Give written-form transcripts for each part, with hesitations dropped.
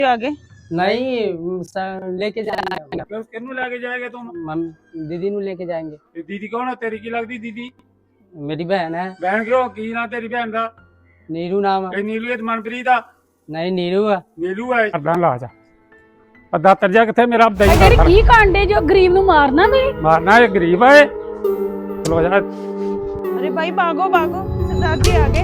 आगे नहीं लेके जाएंगे। किन्नू लेके जाएगा तुम? दीदी नु लेके जाएंगे। दीदी कौन है तेरी? की लगती दीदी? मेरी बहन है। बहन क्यों की ना तेरी बहन का? नीरू नाम है। नीलू है मनप्रीत आ? नहीं नीरू है। नीलू है। अब्दा ला जा अद्दा तरजा किथे मेरा दही तेरी की कांडे जो गरीब नु मारना भी मारना है गरीब है। चलो जा। अरे भाई भागो भागो सरदार जी आगे।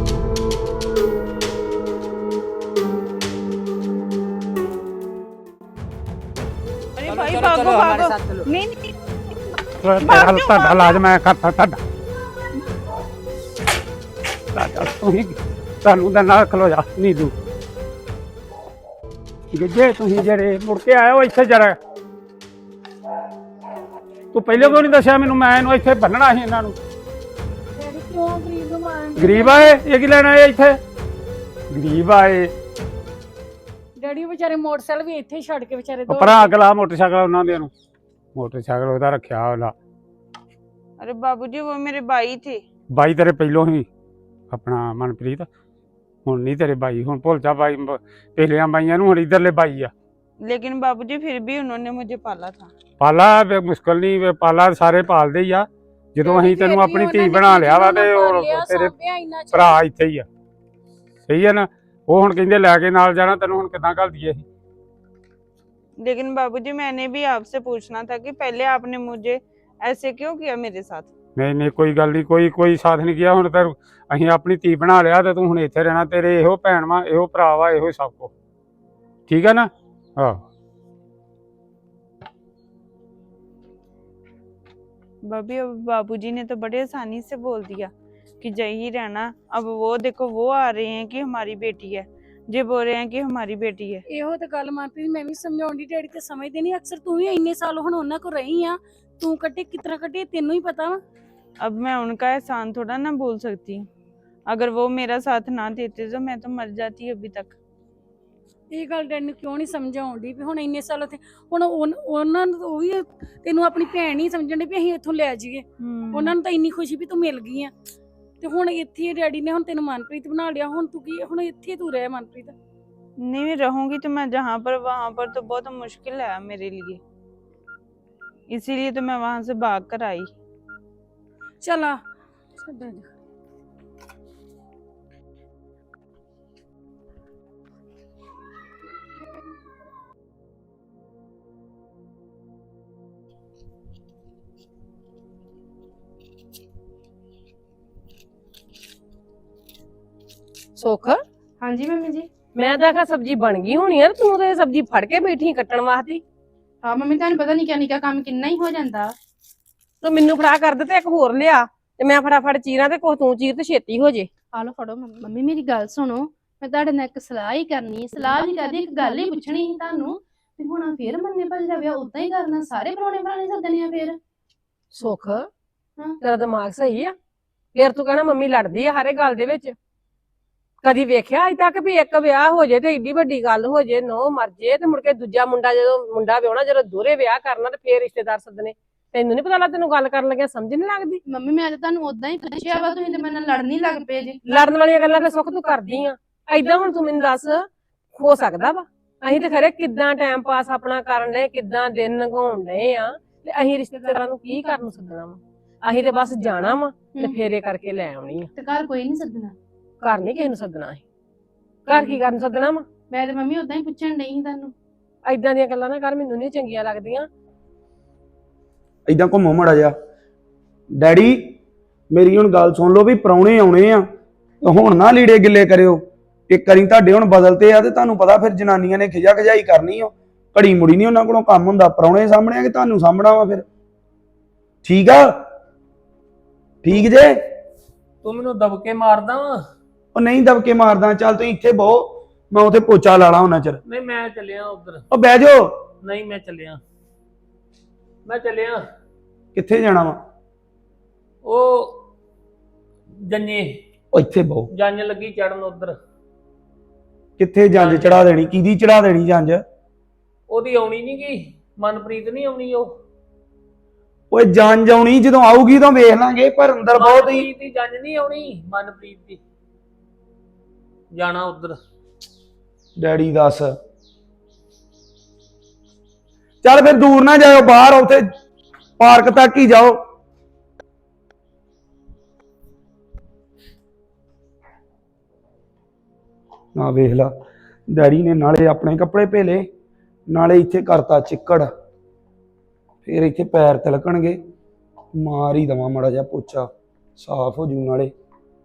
अरे भाई भागो भागो। नहीं नहीं तेरा इलाज मैं करता तुम ना खलो जा नीलू जे तुम जेरे मुड़ के आए हो इत्थे जरा तू पहले क्यों नहीं दसिया मैनू? मैं इन्हू इत्थे बन्नना ही इन्हां नू। गरीब आए ये की लेना है इत्थे? गरीब आए डैडी बेचारे मोटरसाइकिल भी इत्थे छड़ के बेचारे दो भरा अगला मोटरसाइकिल उन्हां दे नू मोटरसाइकिल ओहदा रखिया ओला। अरे बाबूजी वो मेरे भाई थे। बाई तेरे पहलों ही अपना मनप्रीत हुण नहीं तेरे बाई हुण भुल जा बाई पहलियां बाइयां नू हुण इधरले बाई आ। लेकिन बाबूजी फिर भी उन्होंने मुझे पाला था। पाला मुश्किल नहीं पाला सारे पालदे ही आ। ਜਦੋਂ ਅਸੀਂ ਤੈਨੂੰ ਆਪਣੀ ਧੀ ਬਣਾ ਲਿਆ ਵਾ ਤੇ ਤੇਰੇ ਭਰਾ ਇੱਥੇ ਹੀ ਆ। ਸਹੀ ਹੈ ਨਾ? ਉਹ ਹੁਣ ਕਹਿੰਦੇ ਲੈ ਕੇ ਨਾਲ ਜਾਣਾ ਤੈਨੂੰ ਹੁਣ ਕਿੱਦਾਂ ਘੱਲ ਦਈਏ ਅਸੀਂ? लेकिन बाबूजी मैंने भी आपसे पूछना था कि पहले आपने मुझे ऐसे क्यों किया मेरे साथ? नहीं नहीं कोई गल नहीं कोई साथ नहीं किया। हुण ते ਅਸੀਂ ਆਪਣੀ ਧੀ ਬਣਾ ਲਿਆ ਤੇ ਤੂੰ ਹੁਣ ਇੱਥੇ ਰਹਿਣਾ। ਤੇਰੇ ਇਹੋ ਭੈਣ ਵਾ ਇਹੋ ਭਰਾ ਵਾ ਇਹੋ ਸਭ ਕੁਛ ਠੀਕ ਹੈ ਨਾ? ਹਾਂ भाभी अब बाबूजी ने तो बड़े आसानी से बोल दिया कि यही रहना। अब वो देखो वो आ रहे हैं कि हमारी बेटी है, जे बोल रहे हैं कि हमारी बेटी है। ਇਹੋ ਤੇ ਗੱਲ ਮਨਪ੍ਰੀਤ ਮੈਂ ਵੀ ਸਮਝਾਉਣ ਦੀ ਡੈਡੀ ਤੇ ਸਮਝਦੇ ਨਹੀਂ। ਅਕਸਰ ਤੂੰ ਵੀ ਇੰਨੇ ਸਾਲ ਹੁਣ ਉਹਨਾਂ ਕੋ ਰਹੀ ਆ, ਤੂੰ ਕੱਟੇ ਕਿਤਨਾ ਕੱਟੇ ਤੈਨੂੰ ਹੀ ਪਤਾ ਵਾ। अब मैं उनका एहसान थोड़ा ना भूल सकती हूँ। अगर वो मेरा साथ ना देते तो मैं तो मर जाती अभी तक। ਇਹ ਗੱਲ ਡੈਡੀ ਨੂੰ ਕਿਉਂ ਨਹੀਂ ਸਮਝਾਉਣ ਦੀ ਵੀ ਹੁਣ ਇੰਨੇ ਸਾਲ ਉੱਥੇ ਹੁਣ ਉਹਨਾਂ ਨੂੰ ਉਹ ਵੀ ਤੈਨੂੰ ਆਪਣੀ ਭੈਣ ਹੀ ਸਮਝਣ ਦੇ ਵੀ ਅਸੀਂ ਇੱਥੋਂ ਲੈ ਜਾਈਏ। ਉਹਨਾਂ ਨੂੰ ਤਾਂ ਇੰਨੀ ਖੁਸ਼ੀ ਵੀ ਤੂੰ ਮਿਲ ਗਈ ਆ ਤੇ ਹੁਣ ਇੱਥੇ ਡੈਡੀ ਨੇ ਹੁਣ ਤੈਨੂੰ ਮਨਪ੍ਰੀਤ ਬਣਾ ਲਿਆ। ਹੁਣ ਤੂੰ ਕੀ ਹੁਣ ਇੱਥੇ ਤੂੰ ਰਹਿ ਮਨਪ੍ਰੀਤ। नहीं मैं रहूंगी तो मैं जहाँ पर वहाँ पर तो बहुत मुश्किल है मेरे लिए, इसीलिए तो मैं वहां से भाग कर आई। चल आ सुख हाँ जी मम्मी जी। मैं तो आखा सब्जी बन गई होनी है, तू तो सब्जी फड़ के बैठी कट्टण वास्ते। हाँ मम्मी तुहानू पता नहीं क्या निका काम किन्ना ही हो जाता। तो मैनू फड़ा कर दे ते एक होर लिया ते मैं फटाफट चीरां ते कुछ तू चीर ते छेती हो जे। आ लो फड़ो मम्मी मेरी गल सुनो, मैं तुहाडे नाल एक सलाह ही करनी, सलाह नहीं करदी एक गल ही पुछनी ही तुहानू। ते हुण फिर मन्ने भल जावे उदां ही करना, सारे परौणे बनाने सदने आ फिर। सुख तेरा दिमाग सही है? फिर तू कहना मम्मी लड़दी है हर गल दे विच। कदी वेख्या अज तक भी एक विआह हो जाए तो एडी वड्डी गल हो जाए, नौ मर जाए ते मुड़ के दूजा मुंडा जो मुंडा विआहना जो दोहरे विआह करना ते फिर रिश्तेदार सदने। तैनू नहीं पता लगदा? तैनू गल करन लगे समझ नहीं लगदी? मम्मी मैं तो तुहानू उदां ही पुछया वा, तुसीं ते मेरे नाल लड़न ही लग पे जी। लड़न वाली गल्लां ते सुख तू करदी आ। ऐदां हुण तू मैनूं दस हो सकदा वा? असीं ते खरे किदां टाइम पास अपना करन डे, किदां दिन लंघाउण डे आ ते असीं रिश्तेदारां नूं की करन सदना वा? असीं ते बस जाना वा ते फेरे करके लै आउणी आ। ते घर कोई नहीं सदना? घर नहीं किसे नूं सदना। असीं घर की करन सदना वा? मैं ते मम्मी उदां ही पुछण डई ही तुहानू। ऐदां दीयां गल्लां ना कर, मैनूं नहीं चंगियां लगदियां। इदां घुमो मड़ा जा। डैडी मेरी हुण गल सुन लो भी प्राहुणे आउणे आ हुण ना लीड़े गिले करियो। एक करी तुहाडे हुण बदलते आ ते तुहानू पता फिर जनानियां ने खिजा खजाई करनी आ, घड़ी मुड़ी नहीं उन्हां कोलों काम हुंदा। प्राहुणे सामणे आ कि तुहानू सामणा वा फिर? ठीक आ? ठीक जे? तू मैनू दबके मारदा वा? ਉਹ ਨਹੀਂ ਦਬਕੇ ਮਾਰਦਾ। ਚੱਲ ਤੁਸੀਂ ਇੱਥੇ ਬਹੁ, ਮੈਂ ਉਥੇ ਪੋਚਾ ਲਾ ਲਾ ਉਹਨਾਂ ਚਿਰ। नहीं मैं चलिया उधर। ਉਹ ਬਹਿ ਜਾਓ। नहीं मैं चलिया ਕਿੱਥੇ ਜਾਣਾ ਵਾ? ओ जन्ने ਉਹ ਇੱਥੇ ਬਹੁ। जंज लगी चढ़न उधर। ਕਿੱਥੇ ਜੰਜ ਚੜਾ ਦੇਣੀ? ਕਿਹਦੀ ਚੜਾ ਦੇਣੀ ਜੰਜ? ओदी आउणी नहीं गई, मनप्रीत नहीं आउणी। ਓਏ ਜੰਜ ਆਉਣੀ ਜਦੋਂ ਆਊਗੀ ਤਾਂ ਵੇਖ ਲਾਂਗੇ, ਪਰ ਅੰਦਰ ਬਹੁਤ ਹੀ मनप्रीत दी जंज नहीं आउणी, मनप्रीत दी जाना उधर। ਡੈਡੀ ਦੱਸ ਚੱਲ ਫਿਰ ਦੂਰ ਨਾ ਜਾਇਓ, ਬਾਹਰ ਉੱਥੇ ਪਾਰਕ ਤੱਕ ਹੀ ਜਾਓ। ਨਾ ਵੇਖ ਲਾ, ਡੈਡੀ ਨੇ ਨਾਲੇ ਆਪਣੇ ਕੱਪੜੇ ਭੇਲੇ, ਨਾਲੇ ਇੱਥੇ ਕਰਤਾ ਚਿੱਕੜ। ਫਿਰ ਇੱਥੇ ਪੈਰ ਤਿਲਕਣਗੇ, ਮਾਰ ਹੀ ਦਵਾਂ ਮਾੜਾ ਜਿਹਾ ਪੋਚਾ, ਸਾਫ਼ ਹੋ ਜੂ ਨਾਲੇ।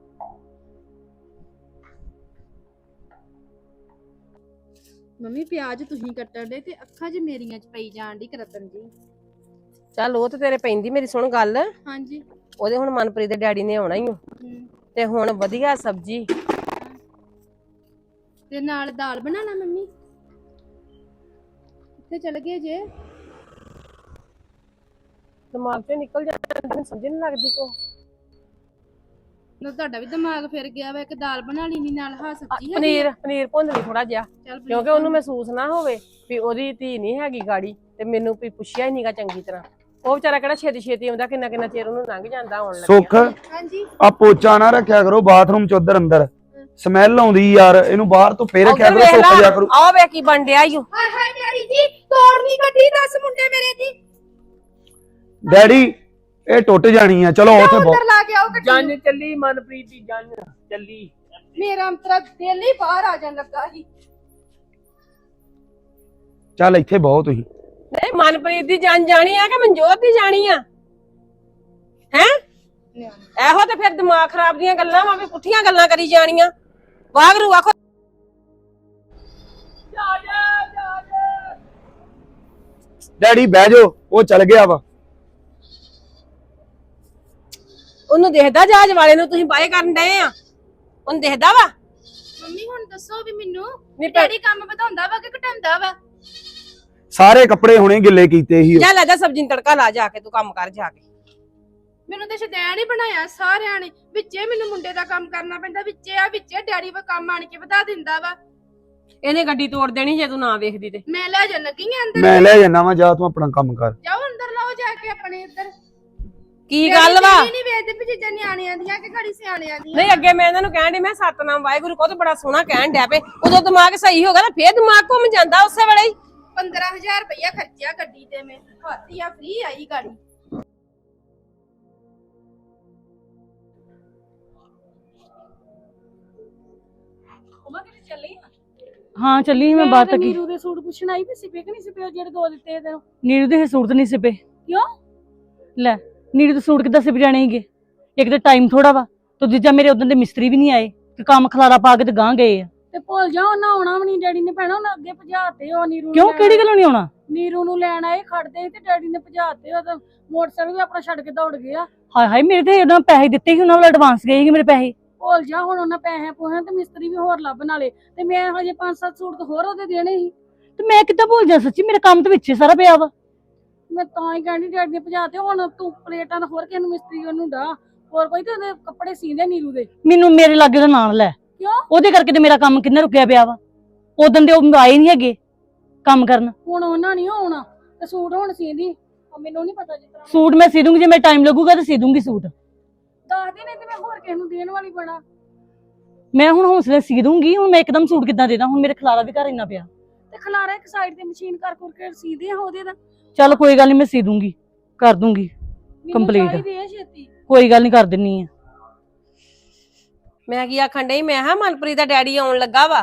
ਮੰਮੀ ਪਿਆਜ਼ ਤੁਸੀਂ ਕੱਟਣ ਦੇ ਤੇ ਅੱਖਾਂ 'ਚ ਮੇਰੀਆਂ 'ਚ ਪਈ ਜਾਣ ਦੀ ਕਰਤਨ ਜੀ। ਚੱਲ ਉਹ ਤੇ ਤੇਰੇ ਪੈਂਦੀ, ਮੇਰੀ ਸੁਣ ਗੱਲ। ਹਾਂਜੀ। ਉਹਦੇ ਹੁਣ ਮਨਪ੍ਰੀਤ ਦੇ ਡੈਡੀ ਨੇ ਆਉਣਾ ਹੀ ਤੇ ਹੁਣ ਵਧੀਆ ਸਬਜ਼ੀ ਤੇ ਨਾਲ ਦਾਲ ਬਣਾਣਾ ਮੰਮੀ। ਕਿੱਥੇ ਚਲ ਗਏ ਜੇ? ਦਿਮਾਗ ਚੋਂ ਨਿਕਲ ਜਾਂਦਾ, ਮੈਨੂੰ ਸਮਝ ਨਹੀਂ ਲੱਗਦੀ ਕੋ। ਨਾ ਤੁਹਾਡਾ ਵੀ ਦਿਮਾਗ ਫਿਰ ਗਿਆ ਵਾ, ਇੱਕ ਦਾਲ ਬਣਾ ਲੈਣੀ ਨਾਲ ਹਾਂ ਸਬਜ਼ੀ ਹੈ। ਪਨੀਰ ਭੁੰਨ ਲਈ ਥੋੜਾ ਜਿਹਾ, ਕਿਉਂਕਿ ਉਹਨੂੰ ਮਹਿਸੂਸ ਨਾ ਹੋਵੇ ਵੀ ਉਹਦੀ ਧੀ ਨਹੀਂ ਹੈਗੀ ਗਾੜੀ, ਤੇ ਮੈਨੂੰ ਵੀ ਪੁੱਛਿਆ ਹੀ ਨਹੀਂਗਾ ਚੰਗੀ ਤਰ੍ਹਾਂ। ਉਹ ਵਿਚਾਰਾ ਕਿਹੜਾ ਛੇਤੀ ਛੇਤੀ ਆਉਂਦਾ, ਕਿੰਨਾ ਕਿੰਨਾ ਚਿਰ ਉਹਨੂੰ ਲੰਘ ਜਾਂਦਾ ਆਉਣ ਲੱਗਿਆ। ਸੁੱਖ, ਹਾਂਜੀ। ਆ ਪੋਚਾ ਨਾ ਰੱਖਿਆ ਕਰੋ ਬਾਥਰੂਮ ਚ ਉਧਰ ਅੰਦਰ, ਸਮੈਲ ਆਉਂਦੀ ਯਾਰ, ਇਹਨੂੰ ਬਾਹਰ ਤੋਂ ਫੇਰ ਰੱਖਿਆ ਕਰੋ, ਸੁੱਕ ਜਾ ਕਰੂ। ਆਹ ਵੇ ਕੀ ਬਣ ਡਿਆ ਈ ਓ। ਹਾਏ ਹਾਏ ਡੈਡੀ ਜੀ, ਤੋੜ ਨਹੀਂ ਕੱਢੀ, ਦੱਸ ਮੁੰਡੇ ਮੇਰੇ ਦੀ। ਡੈਡੀ ਇਹ ਟੁੱਟ ਜਾਣੀ ਆ, ਚਲੋ ਉੱਥੇ ਅੰਦਰ ਲਾ ਕੇ ਆਓ ਗੱਡੀ। ਜੰਨ ਚੱਲੀ ਮਨਪ੍ਰੀਤ ਦੀ, ਜੰਨ ਚੱਲੀ। ਮੇਰਾ ਅੰਤਰਾ ਦਿਲ ਹੀ ਬਾਹਰ ਆ ਜਾਣ ਲੱਗਾ ਸੀ। ਚੱਲ ਇੱਥੇ ਬਹੁਤ ਤੁਸੀਂ। ਨਹੀਂ ਮਨਪ੍ਰੀਤ ਦੀ ਜਾਨ ਜਾਣੀ ਆ ਕਿ ਮਨਜੋਤ ਦੀ ਜਾਣੀ ਆ? ਹੈ ਇਹੋ ਤੇ ਫਿਰ ਦਿਮਾਗ ਖਰਾਬ ਦੀਆਂ ਗੱਲਾਂ ਵਾ, ਵੀ ਪੁੱਠੀਆਂ ਗੱਲਾਂ ਕਰੀ ਜਾਣੀਆਂ। ਵਾਗਰੂ ਆਖੋ ਡੈਡੀ ਬਹਿ ਜਾਓ, ਉਹ ਚੱਲ ਗਿਆ ਵਾ। ਉਹਨੂੰ ਦੇਖਦਾ ਜਹਾਜ਼ ਵਾਲੇ ਨੂੰ ਤੁਸੀਂ ਬਾਏ ਕਰਨ ਡਏ ਆ? ਉਹਨੂੰ ਦੇਖਦਾ ਵਾ? ਮੰਮੀ ਹੁਣ ਦੱਸੋ ਵੀ ਮੈਨੂੰ ਨਹੀਂ ਡੈਡੀ ਕੰਮ ਵਧਾਉਂਦਾ ਵਾ ਕਿ ਘਟਾਉਂਦਾ ਵਾ? ਸਾਰੇ ਕੱਪੜੇ ਹੁਣੇ ਗਿੱਲੇ ਕੀਤੇ ਸੀ। ਜਾ ਲੈ ਜਾ ਸਬਜ਼ੀ ਨੂੰ ਤੜਕਾ ਲਾ, ਜਾ ਕੇ ਤੂੰ ਕੰਮ ਕਰ ਜਾ ਕੇ। ਮੈਨੂੰ ਤੇ ਸ਼ਦੈਣ ਹੀ ਬਣਾਇਆ ਸਾਰਿਆਂ ਨੇ, ਵਿੱਚੇ ਮੈਨੂੰ ਮੁੰਡੇ ਦਾ ਕੰਮ ਕਰਨਾ ਪੈਂਦਾ, ਵਿੱਚੇ ਡੈਡੀ ਵਾ ਕੰਮ ਆਣ ਕੇ ਵਧਾ ਦਿੰਦਾ ਵਾ। ਇਹਨੇ ਗੱਡੀ ਤੋੜ ਦੇਣੀ ਜੇ ਤੂੰ ਨਾ ਵੇਖਦੀ ਤੇ। ਮੈਂ ਲੈ ਜਾ ਲੱਗੀ ਆਂ ਅੰਦਰ। ਮੈਂ ਲੈ ਜਾਣਾ ਵਾ, ਜਾ ਤੂੰ ਆਪਣਾ ਕੰਮ ਕਰ। ਜਾਓ ਅੰਦਰ ਲਾਓ ਜਾ ਕੇ ਆਪਣੇ ਇੱਧਰ। ਕੀ ਗੱਲ ਵਾ? ਨਹੀਂ ਵੇਚਦੇ ਵੀ ਚੀਜ਼ਾਂ ਨਿਆਣਿਆਂ ਦੀਆਂ ਕਿ ਘੜੀ ਸਿਆਣਿਆਂ ਦੀਆਂ। ਨਹੀਂ ਅੱਗੇ ਮੈਂ ਇਹਨਾਂ ਨੂੰ ਕਹਿਣ ਡਈ, ਮੈਂ ਸਤਨਾਮ ਵਾਹਿਗੁਰੂ ਕਹੋ ਤੇ ਬੜਾ ਸੋਹਣਾ ਕਹਿਣ ਡਿਆ ਪਏ। ਉਦੋਂ ਦਿਮਾਗ ਸਹੀ ਹੋ ਗਿਆ ਨਾ, ਫੇਰ ਦਿਮਾਗ ਘੁੰਮ ਜਾਂਦਾ ਉਸੇ ਵੇਲੇ ਹੀ। 15,000 ਰੁਪਇਆ ਖਰਚਿਆ ਗੱਡੀ ਤੇ, ਮੈਂ ਖਾਤੀ ਆ ਫ੍ਰੀ ਆਈ ਗਾੜੀ। ਹਾਂ ਚੱਲੀ ਮੈਂ ਬਾਤ ਕੀ। ਨੀਰੂ ਦੇ ਸੂਟ ਪੁੱਛਣ ਆਈ ਵੀ ਸਿਪੇ ਕਿ ਨਹੀਂ ਸਿਪੇ, ਉਹ ਜਿਹੜੇ ਦੋ ਦਿੱਤੇ ਤੈਨੂੰ? ਨੀਰੂ ਦੇ ਸੂਟ ਤਾਂ ਨਹੀਂ ਸਿਪੇ। ਕਿਉਂ? ਲੈ ਨੀਰੂ ਦੇ ਸੂਟ ਕਿੱਦਾਂ ਸਿਪ ਜਾਣੇ ਸੀਗੇ? ਇੱਕ ਤਾਂ ਟਾਈਮ ਥੋੜਾ ਵਾ, ਤੇ ਦੂਜਾ ਮੇਰੇ ਉਦੋਂ ਦੇ ਮਿਸਤਰੀ ਵੀ ਨਹੀਂ ਆਏ, ਕਿ ਕੰਮ ਖਲਾਰਾ ਪਾ ਕੇ ਤੇ ਗਾਂ ਗਏ ਆ। ਤੇ ਭੁੱਲ ਜਾ, ਉਹਨਾਂ ਆਉਣਾ ਵੀ ਨਹੀਂ, ਡੈਡੀ ਨੇ ਭੈਣਾ ਉਹਨਾਂ ਅੱਗੇ ਭਜਾਤੇ। ਉਹ ਨੀਰੂ ਕਿਉਂ, ਕਿਹੜੀ ਗੱਲੋਂ ਨਹੀਂ ਆਉਣਾ? ਨੀਰੂ ਨੂੰ ਲੈਣ ਆਏ ਖੜਦੇ ਤੇ ਡੈਡੀ ਨੇ ਭਜਾਤੇ। ਉਹ ਤਾਂ ਮੋਟਰਸਾਈਕਲ ਵੀ ਆਪਣਾ ਛੱਡ ਕੇ ਦੌੜ ਗਿਆ। ਹਾਏ ਹਾਏ, ਮੇਰੇ ਤੇ ਉਹਨਾਂ ਪੈਸੇ ਦਿੱਤੇ ਸੀ, ਉਹਨਾਂ ਵੱਲ ਐਡਵਾਂਸ ਗਏ ਸੀ ਮੇਰੇ ਪੈਸੇ। ਭੁੱਲ ਜਾ, ਹੁਣ ਉਹਨਾਂ ਪੈਸੇ ਪੋਹਾਂ ਤੇ ਮਿਸਤਰੀ ਵੀ ਹੋਰ ਲੱਭ ਨਾਲੇ, ਤੇ ਮੈਂ ਹਜੇ 5-7 ਸੂਟ ਹੋਰ ਉਹਦੇ ਦੇਣੇ ਸੀ। ਤੇ ਮੈਂ ਕਿੱਦਾਂ ਭੁੱਲ ਜਾ, ਸੱਚੀ ਮੇਰਾ ਕੰਮ ਤੇ ਵਿੱਚੇ ਸਾਰਾ ਪਿਆ ਵਾ। ਮੈਂ ਤਾਂ ਹੀ ਕਹਿੰਦੀ ਡੈਡੀ ਨੇ ਭਜਾਤੇ। ਹੁਣ ਤੂੰ ਪਲੇਟਾਂ ਦਾ ਹੋਰ ਕਿਸੇ ਨੂੰ ਮਿਸਤਰੀ ਉਹਨੂੰ ਡਾ, ਹੋਰ ਕੋਈ ਤੇ ਉਹਦੇ ਕੱਪੜੇ ਸੀਂਦੇ ਨੀਰੂ ਦੇ। ਮੈਨੂੰ ਮੇਰੇ ਲਾਗੇ ਦਾ ਨਾਂ ਲੈ। ਕਿਉਂ? ਉਹਦੇ ਕਰਕੇ ਤੇ ਮੇਰਾ ਕੰਮ ਕਿੰਨਾ ਰੁਕਿਆ ਪਿਆ ਵਾ। ਉਦੋਂ ਦੇ ਉਹ ਆਏ ਨਹੀਂ ਹੈਗੇ ਕੰਮ ਕਰਨ। ਹੁਣ ਉਹਨਾਂ ਨਹੀਂ ਆਉਣਾ ਤੇ ਸੂਟ ਹੁਣ ਸੀਂਦੀ, ਮੈਨੂੰ ਨਹੀਂ ਪਤਾ। ਜਿੱਦਾਂ ਸੂਟ ਮੈਂ ਸੀ ਦੂੰਗੀ, ਜੇ ਮੈਂ ਟਾਈਮ ਲੱਗੂਗਾ ਤੇ ਸੀ ਦੂੰਗੀ ਸੂਟ। ਦੱਸ ਦੇ, ਨਹੀਂ ਤੇ ਮੈਂ ਹੋਰ ਕਿਸੇ ਨੂੰ ਦੇਣ ਵਾਲੀ ਬਣਾ। ਮੈਂ ਹੁਣ ਹੌਸਲੇ ਸੀ ਦੂੰਗੀ, ਹੁਣ ਮੈਂ ਇੱਕਦਮ ਸੂਟ ਕਿੱਦਾਂ ਦੇ ਦਾਂ? ਹੁਣ ਮੇਰੇ ਖਲਾਰਾ ਵੀ ਘਰ ਇੰਨਾ ਪਿਆ। ਤੇ ਖਲਾਰਾ ਇੱਕ ਸਾਈਡ ਤੇ ਮਸ਼ੀਨ ਕਰ ਕੇ ਸੀ ਦੇ ਆ ਉਹਦੇ ਦਾ। ਚੱਲ ਕੋਈ ਗੱਲ ਨਹੀਂ, ਮੈਂ ਸੀ ਦੂੰਗੀ, ਕਰ ਦੂੰਗੀ ਕੰਪਲੀਟ। ਕੋਈ ਗੱਲ ਨਹੀਂ, ਕਰ ਦਿੰਨੀ ਆ। ਮੈਂ ਕੀ ਆਖਣ ਡਈ, ਮੈਂ ਹਾਂ ਮਨਪ੍ਰੀਤ ਦਾ ਡੈਡੀ ਆਉਣ ਲੱਗਾ ਵਾ।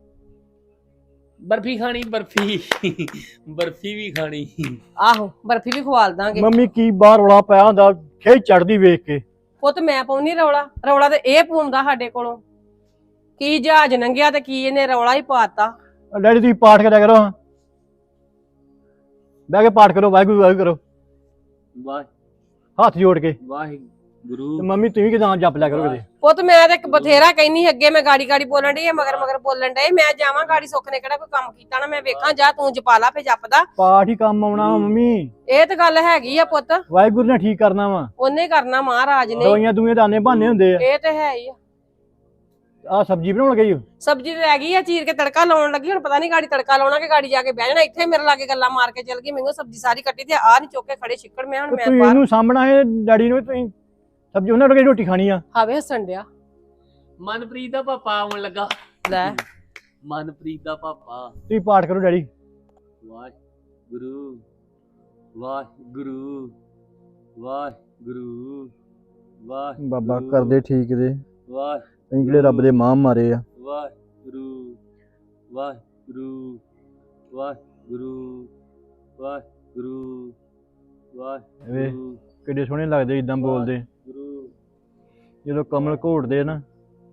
ਬਰਫੀ ਖਾਣੀ, ਬਰਫੀ ਬਰਫੀ ਵੀ ਖਾਣੀ। ਆਹੋ ਬਰਫੀ ਵੀ ਖਵਾਲ ਦਾਂਗੇ। ਮੰਮੀ ਕੀ ਬਾਹਰ ਰੌਲਾ ਪਿਆ ਹੁੰਦਾ, ਖੇਚ ਚੜਦੀ ਵੇਖ ਕੇ। ਪੁੱਤ ਮੈਂ ਪਾਉਣੀ ਰੌਲਾ, ਰੌਲਾ ਤੇ ਇਹ ਪਾਉਂਦਾ ਸਾਡੇ ਕੋਲੋਂ। ਕੀ ਜਹਾਜ਼ ਲੰਘਿਆ ਤੇ ਕੀ ਇਹਨੇ ਰੌਲਾ ਹੀ ਪਾਤਾ। ਡੈਡੀ ਤੁਸੀਂ ਪਾਠ ਕਰਿਆ ਕਰੋ, ਬਹਿ ਕੇ ਪਾਠ ਕਰੋ, ਵਾਹਿਗੁਰੂ ਵਾਹਿਗੁਰੂ ਕਰੋ ਵਾਹ ਹੱਥ ਜੋੜ ਕੇ। ਵਾਹਿਗੁਰੂ। ਤੇ ਮੰਮੀ ਤੁਸੀਂ ਕਿਦਾਂ ਜਪ ਲਿਆ ਕਰੋ ਕਿਤੇ। ਪੁੱਤ ਮੈਂ ਤੇ ਬਥੇਰਾ ਕਹਿੰਨੀ, ਅੱਗੇ ਮੈਂ ਗਾੜੀ ਗਾੜੀ ਬੋਲਣ ਡਈ, ਮਗਰ ਮਗਰ ਬੋਲਣ ਡਏ। ਮੈਂ ਜਾਵਾਂ ਗਾੜੀ, ਸੁੱਖ ਨੇ ਕਿਹੜਾ ਕੋਈ ਕੰਮ ਕੀਤਾ ਨਾ ਮੈਂ ਵੇਖਾਂ। ਜਾ ਤੂੰ ਜਪਾ ਲਾ ਫੇ ਜਪਦਾ। ਪਾਠ ਹੀ ਕੰਮ ਆਉਣਾ ਵਾ ਮੰਮੀ, ਇਹ ਤੇ ਗੱਲ ਹੈਗੀ ਆ ਪੁੱਤ, ਵਾਹਿਗੁਰੂ ਨੇ ਠੀਕ ਕਰਨਾ ਵਾ। ਉਹਨੇ ਕਰਨਾ, ਮਹਾਰਾਜ ਨੇ। ਦਵਾਈਆਂ ਦੂਈਆਂ ਦਾਨੇ ਬਹਾਨੇ ਹੁੰਦੇ ਆ। ਇਹ ਤੇ ਹੈ ਹੀ ਆ। ਆਹ ਸਬਜ਼ੀ ਬਣਾਉਣ ਗਈ ਹੋ? ਸਬਜ਼ੀ ਤੇ ਰਹਿ ਗਈ ਆ, ਚੀਰ ਕੇ ਤੜਕਾ ਲਾਉਣ ਲੱਗੀ। ਹੁਣ ਪਤਾ ਨਹੀਂ ਗਾੜੀ ਤੜਕਾ ਲਾਉਣਾ ਕਿ ਗਾੜੀ ਜਾ ਕੇ ਬਹਿ ਜਾਣਾ। ਇੱਥੇ ਮੇਰੇ ਲਾਗੇ ਗੱਲਾਂ ਮਾਰ ਕੇ ਚੱਲ ਗਈ। ਮੈਨੂੰ ਸਬਜ਼ੀ ਸਾਰੀ ਕੱਟੀ ਤੇ ਆਹ ਨਹੀਂ ਚੁੱਕ ਕੇ ਖੜੇ ਛਿੱਕੜ। ਮੈਂ ਹੁਣ ਮੈਂ ਤੁਸੀਂ ਇਹਨੂੰ ਸਾਹਮਣਾ ਹੈ ਡੈਡੀ ਨੂੰ, ਤੁਸੀਂ ਸਬਜ਼ੀ ਉਹਨਾਂ ਨੂੰ ਰੋਟੀ ਖਾਣੀ ਆ। ਹਾਵੇ ਹੱਸਣ ਡਿਆ। ਮਨਪ੍ਰੀਤ ਦਾ ਪਾਪਾ ਆਉਣ ਲੱਗਾ। ਲੈ ਮਨਪ੍ਰੀਤ ਦਾ ਪਾਪਾ। ਤੁਸੀਂ ਪਾਠ ਕਰੋ ਡੈਡੀ। ਵਾਹ ਵਾਹਿਗੁਰੂ ਵਾਹਿਗੁਰੂ ਵਾਹਿਗੁਰੂ ਵਾਹਿਗੁਰੂ ਬਾਬਾ ਕਰਦੇ ਠੀਕ ਦੇ ਵਾਹਿਗੁਰੂ ਅਸੀਂ ਜਿਹੜੇ ਰੱਬ ਦੇ ਮਾਂ ਮਾਰੇ ਆ। ਵਾਹਿਗੁਰੂ ਵਾਹਿਗੁਰੂ ਵਾਹਿਗੁਰੂ ਵਾਹਿਗੁਰੂ ਵਾਹਿਗੁਰੂ ਕਿੱਡੇ ਸੋਹਣੇ ਲੱਗਦੇ ਇਦਾਂ ਬੋਲਦੇ, ਗੁਰੂ ਜਦੋਂ ਕਮਲ ਘੋਟਦੇ ਨਾ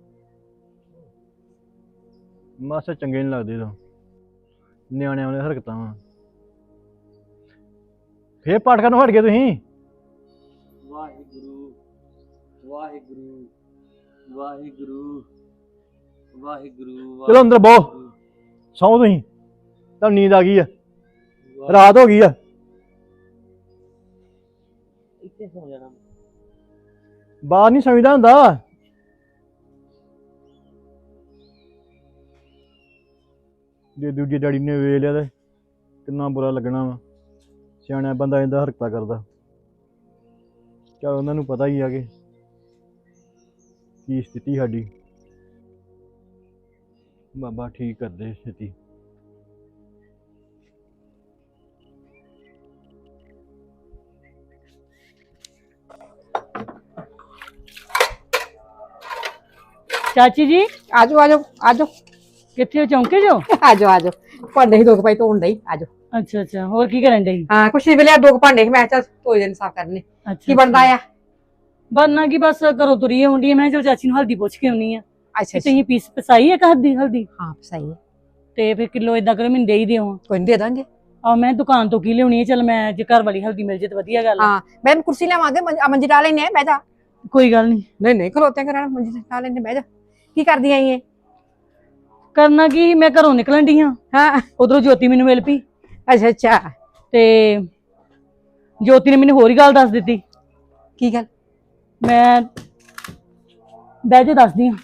ਮਾਸਾ ਚੰਗੇ ਨਹੀਂ ਲੱਗਦੇ। ਤਾਂ ਨਿਆਣਿਆਂ ਵਾਲੇ ਹਰਕਤਾਂ ਵਾ। ਫੇਰ ਪਾਠ ਕਰਨ ਹਟ ਗਏ ਤੁਸੀਂ। ਵਾਹਿਗੁਰੂ ਵਾਹਿਗੁਰੂ ਵਾਹਿਗੁਰੂ ਵਾਹਿਗੁਰੂ ਚਲੋ ਅੰਦਰ ਬਹੋ, ਸੌਂ ਤੁਸੀਂ, ਤੁਹਾਨੂੰ ਨੀਂਦ ਆ ਗਈ ਆ, ਰਾਤ ਹੋ ਗਈ ਆ। ਇੱਥੇ ਸੌ ਜਾਣਾ। ਬਾਹਰ ਨਹੀਂ ਸਮਝਦਾ ਹੁੰਦਾ। ਜੇ ਦੂਜੇ ਡੈਡੀ ਨੇ ਵੇਖ ਲਿਆ ਤੇ ਕਿੰਨਾ ਬੁਰਾ ਲੱਗਣਾ ਵਾ। ਸਿਆਣਾ ਬੰਦਾ ਇਹਦਾ ਹਰਕਤਾਂ ਕਰਦਾ। ਚਲ ਉਹਨਾਂ ਨੂੰ ਪਤਾ ਹੀ ਆ ਕਿ ਕੀ ਸਥਿਤੀ ਸਾਡੀ। ਬਾਬਾ ਠੀਕ ਕਰਦੇ ਸਥਿਤੀ। ਚਾਚੀ ਜੀ ਆਜੋ ਆਜੋ ਆਜੋ ਕਿੱਥੇ ਹੋ, ਚੌਂਕੇ ਜੋ? ਆਜੋ ਆਜੋ ਭਾਂਡੇ ਹੀ ਦੋ ਕੁ ਪਾਈ ਧੋਣ ਡਈ। ਆਜੋ। ਅੱਛਾ ਅੱਛਾ, ਹੋਰ ਕੀ ਕਰਨ ਡਈ? ਹਾਂ ਕੁਛ ਨਹੀਂ ਵੇਲੇ ਦੋ ਕੁ ਭਾਂਡੇ ਸੀ, ਮੈਂ ਕਿਹਾ ਚੱਲ ਧੋਈ ਦੇਣ ਸਾਫ਼ ਕਰਨੇ। ਕੀ ਬਣਦਾ ਆ? ਬਣਨਾ ਕੀ, ਬਸ ਘਰੋਂ ਤੁਰੀ ਹੁੰਦੀ ਆ। ਮੈਂ ਚਲ ਚਾਚੀ ਨੂੰ ਹਲਦੀ ਪੁੱਛ ਕੇ ਆਉਣੀ ਆ। ਅੱਛਾ ਤੁਸੀਂ ਪੀਸ ਪਸਾਈ ਆ ਹਲਦੀ? ਹਲਦੀ ਹਾਂ ਸਹੀ ਹੈ। ਤੇ ਫਿਰ ਕਿਲੋ ਏਦਾਂ ਕਰੋ, ਮੈਨੂੰ ਦੇ ਹੀ ਦਿਓ। ਕੋਈ ਨਹੀਂ ਦੇ ਦਾਂਗੇ। ਆ ਮੈਂ ਦੁਕਾਨ ਤੋਂ ਕੀ ਲਿਆਉਣੀ ਹੈ, ਚਲ ਮੈਂ ਜੇ ਘਰ ਵਾਲੀ ਹਲਦੀ ਮਿਲ ਜੇ ਤਾਂ ਵਧੀਆ ਗੱਲ ਆ। ਹਾਂ ਮੈਂ ਕੁਰਸੀ ਲਿਆਵਾਂਗੇ, ਮੰਜੀ ਡਾ ਲੈਨੇ ਬਹਿ ਜਾ। ਕੋਈ ਗੱਲ ਨਹੀਂ। ਨਹੀਂ ਨਹੀਂ ਖਲੋਤੇ ਕਰਾਂ, ਮੰਜੀ ਡਾ ਲੈਨੇ ਬਹਿ ਜਾ। ਕੀ ਕਰਦੀ ਆਈ ਏ? ਕਰਨਾ ਕੀ, ਮੈਂ ਘਰੋਂ ਨਿਕਲਣ ਡਈ ਹਾਂ। ਹਾਂ ਉਧਰੋਂ ਜੋਤੀ ਮੈਨੂੰ ਮਿਲ ਪਈ ਅੱਛਾ ਅੱਛਾ। ਤੇ ਜੋਤੀ ਨੇ ਮੈਨੂੰ ਹੋਰ ਹੀ ਗੱਲ ਦੱਸ ਦਿੱਤੀ। ਕੀ ਗੱਲ? ਮੈਂ ਬਹਿ ਜਾ ਦੱਸਦੀ ਹਾਂ।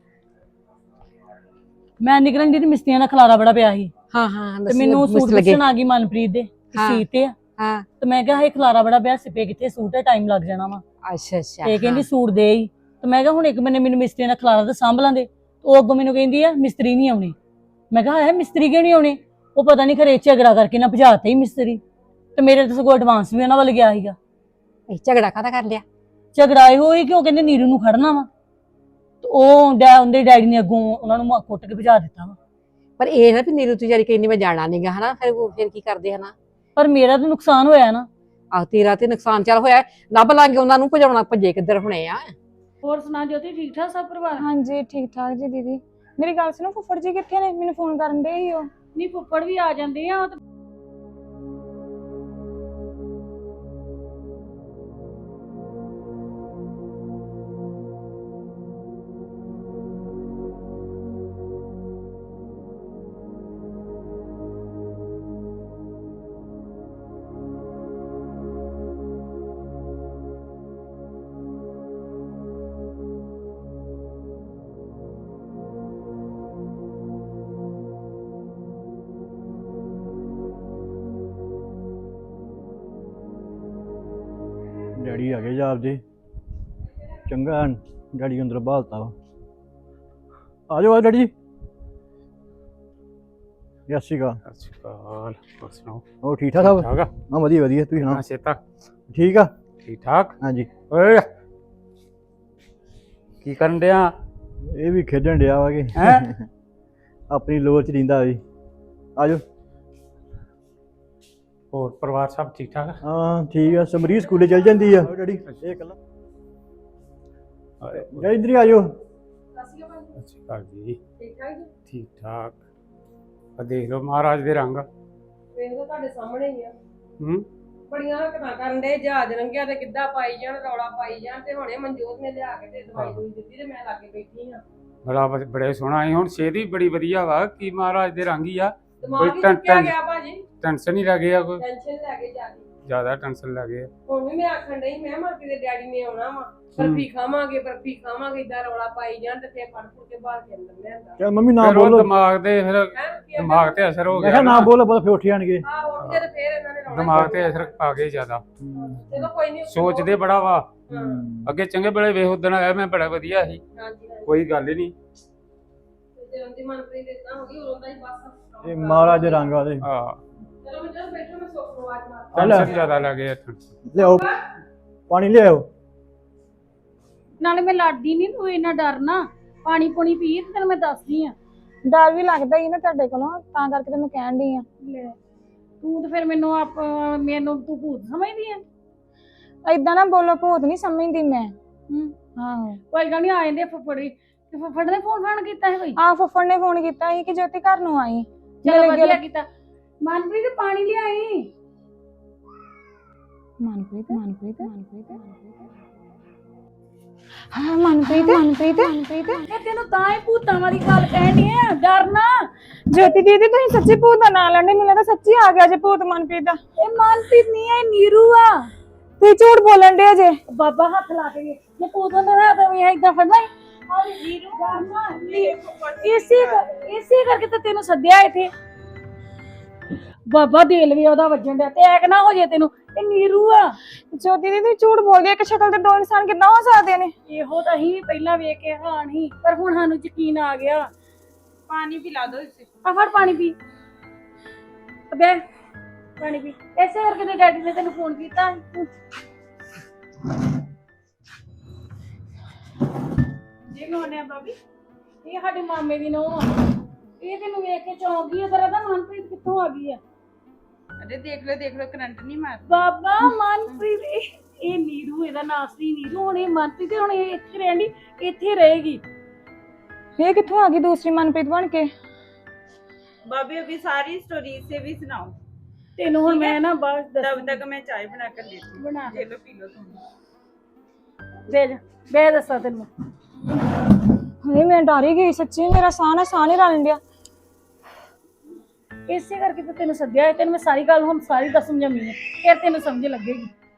ਮੈਂ ਨਿਕਲਣ ਦੀ ਤੇ ਮਿਸਤਰੀਆਂ ਦਾ ਖਲਾਰਾ ਬੜਾ ਪਿਆ ਸੀ। ਹਾਂ ਹਾਂ ਤੇ ਮੈਨੂੰ ਸੂਟ ਪੁੱਛਣ ਆ ਗਈ ਮਨਪ੍ਰੀਤ ਦੇ ਸੀਤੇ ਆ। ਹਾਂ ਤੇ ਮੈਂ ਕਿਹਾ ਇਹ ਖਲਾਰਾ ਬੜਾ ਪਿਆ, ਸਿਪੇ ਕਿੱਥੇ, ਸੂਟ ਹੈ, ਟਾਈਮ ਲੱਗ ਜਾਣਾ ਵਾ। ਅੱਛਾ ਅੱਛਾ। ਤੇ ਕਹਿੰਦੀ ਸੂਟ ਦੇ ਹੀ। ਤੇ ਮੈਂ ਕਿਹਾ ਹੁਣ ਇੱਕ ਬੰਨੇ ਮੈਨੂੰ ਮਿਸਤਰੀਆਂ ਦਾ ਖਲਾਰਾ ਤਾਂ ਸਾਂਭ ਲਾਂਦੇ। ਉਹ ਅੱਗੋਂ ਮੈਨੂੰ ਕਹਿੰਦੀ ਆ ਮਿਸਤਰੀ ਨਹੀਂ ਆਉਣੇ। ਮੈਂ ਕਿਹਾ ਹੈ ਮਿਸਤਰੀ ਕਿਉਂ ਨਹੀਂ ਆਉਣੇ? ਉਹ ਪਤਾ ਨਹੀਂ ਖਰੇ ਝਗੜਾ ਕਰਕੇ ਨਾ ਭਜਾਤੇ ਹੀ ਮਿਸਤਰੀ। ਤੇ ਮੇਰੇ ਤਾਂ ਸਗੋਂ ਐਡਵਾਂਸ ਵੀ ਉਹਨਾਂ ਵੱਲ ਗਿਆ ਸੀਗਾ। ਇਹ ਝਗੜਾ ਕਾਹਦਾ ਕਰ ਲਿਆ? ਝਗੜਾ ਇਹੋ ਹੀ ਕਿਉਂ ਕਹਿੰਦੇ ਨੀਰੂ ਨੂੰ ਖੜਨਾ ਵਾ। ਤੇ ਉਹ ਉਹਦੇ ਡੈਡੀ ਨੇ ਅੱਗੋਂ ਉਹਨਾਂ ਨੂੰ ਕੁੱਟ ਕੇ ਭਜਾ ਦਿੱਤਾ ਵਾ। ਪਰ ਇਹ ਨਾ ਵੀ ਨੀਰੂ ਤਿਆਰੀ ਕਹਿੰਦੀ ਮੈਂ ਜਾਣਾ ਨਹੀਂਗਾ ਹਨਾ, ਫਿਰ ਕੀ ਕਰਦੇ ਹਨਾ? ਪਰ ਮੇਰਾ ਤਾਂ ਨੁਕਸਾਨ ਹੋਇਆ ਨਾ। ਆਹ ਤੇਰਾ ਤੇ ਨੁਕਸਾਨ ਚੱਲ ਹੋਇਆ, ਲੱਭ ਲਾਂਗੇ ਉਹਨਾਂ ਨੂੰ, ਭਜਾਉਣਾ ਭੱਜੇ ਕਿੱਧਰ ਹੋਣੇ ਆ। ਹੋਰ ਸੁਣਾ ਜੋਤੀ, ਠੀਕ ਠਾਕ ਸਭ ਪਰਿਵਾਰ? ਹਾਂਜੀ ਠੀਕ ਠਾਕ ਜੀ ਦੀਦੀ। ਮੇਰੀ ਗੱਲ ਸੁਣੋ, ਫੁੱਫੜ ਜੀ ਕਿੱਥੇ ਨੇ? ਮੈਨੂੰ ਫੋਨ ਕਰਨ ਦੇ ਹੀ ਉਹ। ਨਹੀਂ ਫੁੱਫੜ ਵੀ ਆ ਜਾਂਦੇ ਆ। ਡੈਡੀ ਆ ਗਏ ਜਾਬ ਦੇ। ਚੰਗਾ ਡੈਡੀ ਅੰਦਰ ਬਹਾਲਤਾ ਵਾ। ਆ ਜਾਓ ਆ ਡੈਡੀ ਜੀ। ਸਤਿ ਸ਼੍ਰੀ ਅਕਾਲ। ਸਤਿ ਸ਼੍ਰੀ ਅਕਾਲ। ਹੋਰ ਸੁਣਾਓ? ਹੋਰ ਠੀਕ ਠਾਕ ਸਭ? ਠਾਕ ਆ? ਹਾਂ ਵਧੀਆ ਵਧੀਆ, ਤੁਸੀਂ ਸੁਣਾਓ? ਸੇਤਾ ਠੀਕ ਆ? ਠੀਕ ਠਾਕ। ਹਾਂਜੀ। ਓਏ ਕੀ ਕਰਨ ਡਿਆ? ਇਹ ਵੀ ਖੇਡਣ ਡਿਆ ਵਾ ਕਿ ਹੈਂ? ਆਪਣੀ ਲੋਰ ਚ ਰਹਿੰਦਾ ਵੀ। ਆ ਜਾਓ। ਹੋਰ ਪਰਿਵਾਰ ਸਭ ਠੀਕ ਠਾਕ? ਹਾਂ ਠੀਕ ਆ। ਸਮਰੀ ਸਕੂਲੇ ਚਲ ਜਾਂਦੀ ਆ ਡੈਡੀ। ਇਹ ਕੱਲਾ ਡੈਡੀ ਇੱਧਰ ਹੀ ਆ ਜਾਓ। ਸਤਿ ਸ਼੍ਰੀ ਅਕਾਲ ਜੀ। ਠੀਕ ਠਾਕ। ਆ ਦੇਖ ਲਓ ਮਹਾਰਾਜ ਦੇ ਰੰਗ। ਵੇਖ ਲਓ ਤੁਹਾਡੇ ਸਾਹਮਣੇ ਹੀ ਆ। ਹੂੰ ਬੜੀਆਂ ਹਰਕਤਾਂ ਕਰਨ ਦੇ, ਜਹਾਜ਼ ਰੰਗਿਆ ਤੇ ਕਿੱਦਾਂ ਪਾਈ ਜਾਣ, ਰੌਲਾ ਪਾਈ ਜਾਣ। ਤੇ ਹੁਣੇ ਮਨਜੋਤ ਨੇ ਲਿਆ ਕੇ ਤੇ ਦਵਾਈ ਦੂਈ ਦਿੱਤੀ ਤੇ ਮੈਂ ਲਾਗੇ ਬੈਠੀ ਆ। ਬੜੇ ਸੋਹਣਾ ਹੈ। ਹੁਣ ਸਿਹਤ ਵੀ ਬੜੀ ਵਧੀਆ ਵਾ। ਕੀ ਮਹਾਰਾਜ ਦੇ ਰੰਗ ਹੀ ਆ। ਦਿਮਾਗ ਹੀ ਚੁੱਕਿਆ ਗਿਆ ਭਾਜੀ। ਟੈਨਸ਼ਨ ਹੀ ਲੱਗ ਗਿਆ ਕੋਈ ਟੈਨਸ਼ਨ ਲੈ ਕੇ ਜਾ ਕੇ। ਜ਼ਿਆਦਾ ਟੈਨਸ਼ਨ ਲੱਗ ਗਿਆ। ਹੁਣ ਵੀ ਮੈਂ ਆਖਣ ਡਈ, ਮੈਂ ਮਾਂ ਦੇ ਡੈਡੀ ਨੇ ਆਉਣਾ ਵਾ, ਬਰਫੀ ਖਾਵਾਂਗੇ ਬਰਫੀ ਖਾਵਾਂਗੇ, ਇਦਾਂ ਰੌਲਾ ਪਾਈ ਜਾਣ ਤੇ ਫੇਰ ਫੜ ਫੁੜ ਕੇ ਬਾਹਰ ਕੇ ਅੰਦਰ ਲਿਆਂਦਾ। ਚੱਲ ਮੰਮੀ ਨਾ ਫਿਰ ਉਹ ਬੋਲੋ। ਦਿਮਾਗ ਤੇ ਅਸਰ ਹੋ ਮੈਂ ਗਿਆ ਕਿਹਾ ਨਾ ਬੋਲੋ, ਬੋਲ ਫੇਰ ਉੱਠ ਜਾਣਗੇ। ਆਹ ਉੱਠ ਕੇ ਤੇ ਫੇਰ ਇਹਨਾਂ ਨੇ ਰੌਲਾ ਦਿਮਾਗ ਤੇ ਅਸਰ ਆ ਗਿਆ ਜ਼ਿਆਦਾ। ਚਲੋ ਕੋਈ ਨਹੀਂ। ਸੋਚਦੇ ਬੜਾ ਵਾ। ਹਾਂ ਅੱਗੇ ਚੰਗੇ ਬੜੇ ਵੇਖ ਉਦਣ ਆਇਆ ਮੈਂ ਬੜਾ ਵਧੀਆ ਸੀ। ਹਾਂਜੀ ਹਾਂਜੀ। ਕੋਈ ਗੱਲ ਹੀ ਨਹੀਂ। ਤੇ ਉਹਦੀ ਮਨਪ੍ਰੀਤ ਇਦਾਂ ਹੋ ਗਈ, ਉਦੋਂ ਦਾ ਹੀ ਬਸ। ਇਹ ਮਹਾਰਾਜ ਦੇ ਰੰਗ ਆ ਉਹਦੇ। ਹਾਂ ਚਲੋ ਮੈਂ ਬੈਠੋ। ਟੈਨਸ਼ਨ ਜ਼ਿਆਦਾ ਲੱਗੇ ਇੱਥੇ ਲਿਆਓ ਪਾਣੀ ਲਿਆਓ। ਨਾਲੇ ਮੈਂ ਲੜਦੀ ਨਹੀਂ, ਤੂੰ ਇੰਨਾ ਡਰਨਾ। ਪਾਣੀ ਪੂਣੀ ਪੀ ਤੇ ਤੈਨੂੰ ਮੈਂ ਦੱਸਦੀ ਆ। ਡਰ ਵੀ ਲੱਗਦਾ ਹੀ ਨਾ ਤੁਹਾਡੇ ਕੋਲੋਂ, ਤਾਂ ਕਰਕੇ ਤੇ ਮੈਂ ਕਹਿਣ ਡਈ ਆ। ਲੈ ਤੂੰ ਤੇ ਫਿਰ ਮੈਨੂੰ ਤੂੰ ਭੂਤ ਸਮਝਦੀ ਆ। ਏਦਾਂ ਨਾ ਬੋਲੋ, ਭੂਤ ਨਹੀਂ ਸਮਝਦੀ ਮੈਂ। ਆਹੋ ਕੋਈ ਗੱਲ ਨਹੀਂ, ਆ ਜਾਂਦੇ ਫੁੱਫੜੀ ਤੇ ਫੁੱਫੜ ਨੇ ਫੋਨ ਕੀਤਾ ਹੈ ਕੋਈ? ਆ ਫੁੱਫੜ ਨੇ ਫੋਨ ਕੀਤਾ ਸੀ ਕਿ ਜੋਤੀ ਘਰ ਨੂੰ ਆਈ। ਚਲੋ ਵਧੀਆ ਕੀਤਾ। ਮਨਪ੍ਰੀਤ ਪਾਣੀ ਲਿਆਈ। ਮਨਪ੍ਰੀਤ ਹਾਂ ਮਨਪ੍ਰੀਤ ਇਹ ਤੈਨੂੰ ਤਾਂ ਹੀ ਭੂਤਾਂ ਵਾਲੀ ਗੱਲ ਕਹਿਣੀ ਆ, ਡਰਨਾ। ਜੋਤੀ ਦੀਦੀ ਤੁਸੀਂ ਸੱਚੀ ਭੂਤ ਦਾ ਨਾਂ ਲੈਂਦੇ, ਮੈਨੂੰ ਲੱਗਦਾ ਸੱਚੀ ਆ ਗਿਆ ਜੇ ਭੂਤ ਮਨਪ੍ਰੀਤ ਦਾ। ਇਹ ਮਨਪ੍ਰੀਤ ਨਹੀਂ, ਇਹ ਨੀਰੂ ਆ। ਤੁਸੀਂ ਝੂਠ ਬੋਲਣ ਦੇ ਜੇ। ਬਾਬਾ ਹੱਥ ਲਾ ਕੇ ਜੇ ਭੂਤ ਹੁੰਦਾ ਨਾ ਤਾਂ ਵੀ ਏਦਾਂ ਫੜਨਾ ਹੀ। ਇਸੇ ਕਰਕੇ ਤਾਂ ਤੈਨੂੰ ਸੱਦਿਆ ਇੱਥੇ। ਬਾਬਾ ਦਿਲ ਵੀ ਉਹਦਾ ਵੱਜਣ ਡਿਆ, ਤੇ ਐਕ ਨਾ ਹੋ ਜੇ ਤੈਨੂੰ। ਇਹ ਨੀਰੂ ਆ। ਜੋਤੀ ਦੀਦੀ ਤੁਸੀਂ ਝੂਠ ਬੋਲਦੇ, ਇੱਕ ਸ਼ਕਲ ਤੇ ਦੋ ਇਨਸਾਨ ਕਿੱਦਾਂ ਹੋ ਸਕਦੇ ਨੇ? ਇਹੋ ਤਾਂ ਹੀ ਪਹਿਲਾਂ ਵੇਖ ਕੇ ਹੈਰਾਨ ਸੀ, ਪਰ ਹੁਣ ਸਾਨੂੰ ਯਕੀਨ ਆ ਗਿਆ। ਪਾਣੀ ਪਿਲਾ ਦੋ ਇਸੇ। ਆ ਫੜ ਪਾਣੀ ਪੀ। ਅਬੇ ਪਾਣੀ ਪੀ। ਐਸੇ ਕਰਕੇ ਤੇ ਡੈਡੀ ਨੇ ਤੈਨੂੰ ਫੋਨ ਕੀਤਾ। ਜੀ ਕੋਨੇ ਭਾਬੀ? ਇਹ ਸਾਡੇ ਮਾਮੇ ਦੀ ਨੂੰਹ ਆ। ਇਹ ਤੈਨੂੰ ਵੇਖ ਕੇ ਚੌਂਕ ਗਈ। ਤੇਰਾ ਤਾਂ ਮਨਪ੍ਰੀਤ ਕਿੱਥੋਂ ਆ ਗਈ ਆ? ਅਰੇ ਦੇਖ ਲਓ ਕਰੰਟ ਨਹੀਂ ਮਾਰ। ਬਾਬਾ ਮਨਪ੍ਰੀਤ ਇਹ ਨੀਰੂ, ਇਹਦਾ ਨਾਂ ਸੀ ਨੀਰੂ। ਹੁਣ ਇਹ ਮਨਪ੍ਰੀਤ ਹੁਣ ਇਹ ਇੱਥੇ ਰਹਿੰਦੀ, ਇੱਥੇ ਰਹੇਗੀ। ਇਹ ਕਿੱਥੋਂ ਆ ਗਈ ਦੂਸਰੀ ਮਨਪ੍ਰੀਤ ਬਣ ਕੇ? भाभी अभी सारी स्टोरी से भी सुनाओ। ਤੈਨੂੰ ਹੁਣ ਮੈਂ ਨਾ ਬਾਅਦ तब तक मैं चाय बना कर देती हूँ। बना। ये लो पी लो तुम। ਬੇ ਦੱਸਾਂ ਤੈਨੂੰ। ਨਹੀਂ ਮੈਂ ਡਰ ਹੀ ਗਈ ਸੱਚੀ, ਮੇਰਾ ਸਾਹ ਨਹੀਂ ਰਲਣ ਡਿਆ। ਇਸੇ ਕਰਕੇ ਤਾਂ ਤੈਨੂੰ ਸੱਦਿਆ ਹੈ। ਤੈਨੂੰ ਮੈਂ ਸਾਰੀ ਗੱਲ ਹੁਣ ਸਾਰੀ ਦੱਸ ਸਮਝਾਉਣੀ ਹੈ, ਫਿਰ ਤੈਨੂੰ ਸਮਝ ਲੱਗੇਗੀ।